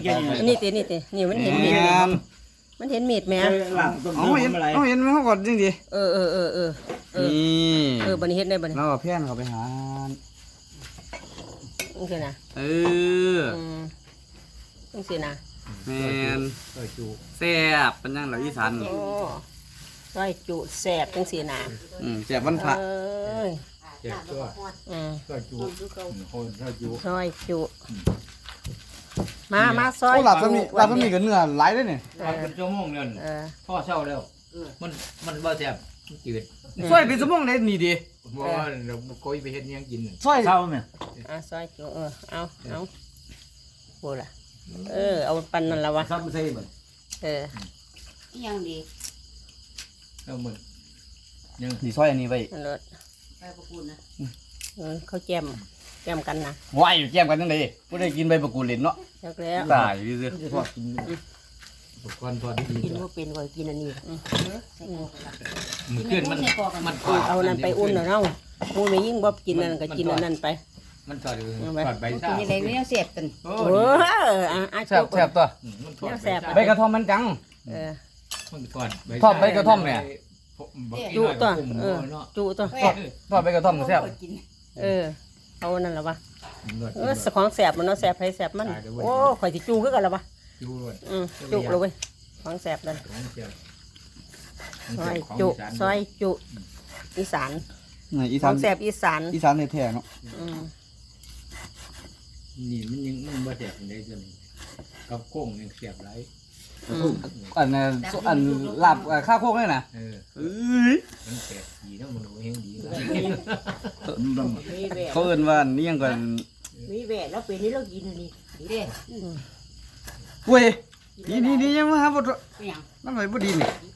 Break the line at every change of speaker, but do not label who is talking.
อันนี้ตินี่มันเห็นมีดมันเห็นมีดไหม
เห็นไหมเขากดจริงดิ
นี่บันนี้เห็นได้บันนี้
เราเพี้ยนเขาไปหา
โอเคนะโอเคนะ
แมนแซ่บเป็นยังเราอีสาน
ซอยจุแซ่บจังสีนะ
แซ่บวันพระ
เจ็บตัวซอยจุคนซอยจุ
มาซอย
หลับก็มีกับเนื้อไหลได้เนี่ย
เป็นชั่วโมงเนี่ยพ่อเช่าแล้วมันบ่แซ่บจืด
ซอยเป็นชั่วโมงได้นี่ดี
เพราะว่าเราคุยไปเฮ็ดยังกิน
ซอย
เช่าไหม
ซอยจุเอาโหล่ะเอาปันนั่นละวะ
ซ้ำใส่เหมือน
ยังดี
เอาเหมือน
ยังดีซอยอันนี้ไป
ไปประกูลนะเขาแจมกันนะ
ว้ายแจมกันยังไงผู้ได้กินใบประกูลเล่นเนาะ
แล้ว
ตายดิสิ
ทอดกินก่อนทอดดี
กินว่าเป็นก่อนกินอันนี้
มือเกินมัน
เอานั่นไปอุ่นเนาะมูไม่ยิ่งบ๊อบกินนั่นก็กินอันนั้นไป
มันทอดใบซ่า
กินอะไรไม่เอาเสียบกัน
แซ่บตัว
แซ่บ
ใบกระท่อมมันจังทอดใบกระท่อมเนี่ย
จุตัว
ทอดใบกระท่อมแซ่บ
เอานั่นหรอวะสของแซ่บมันเนาะแซ่บให้แซ่บมันโอ้ข่อยสิจูคือกันหรอวะจุเลยของแซ่บเลยซอยจุอีสานของแซ่บอีสาน
แท้ๆเนาะ
นี่มันยังบ่แซ่บได้จนกับโค้งยังแซ่บหลาย
อันลาบข้าวโคกนี่นะ
มันแซ่บดีนะมันเฮงดี
เขาเอิ้นว่านี่ยังก่อน
มีแหวนแล้วเป็นนี่เรากินนี่เด้
เว้ยนี่ยังมาหาบ่นั่นไว้บ่ดีนี่